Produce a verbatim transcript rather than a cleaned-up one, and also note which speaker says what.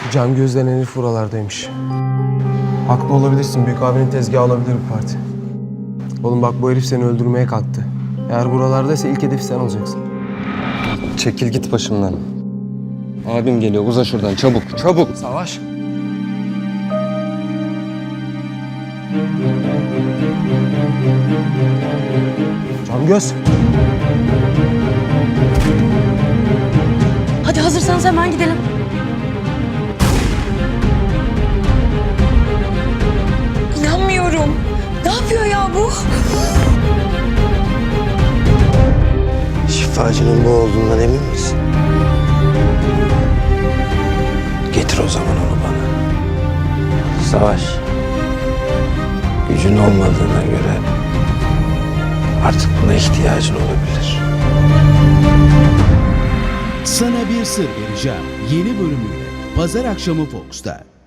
Speaker 1: Can Göz denen herif buralardaymış. Haklı olabilirsin. Büyük abinin tezgahı olabilir bu parti. Oğlum bak, bu herif seni öldürmeye kalktı. Eğer buralardaysa ilk hedef sen olacaksın.
Speaker 2: Çekil git başımdan. Abim geliyor, uza şuradan çabuk, çabuk.
Speaker 1: Savaş. Can Göz.
Speaker 3: Hadi hazırsanız hemen gidelim. İnanmıyorum. Ne yapıyor ya bu?
Speaker 4: Şifacının bu olduğundan emin misin? Getir o zaman onu bana. Savaş. Gücün olmadığına göre artık buna ihtiyacın olabilir.
Speaker 5: Sana bir sır vereceğim. Yeni bölümüyle Pazar akşamı Fox'ta.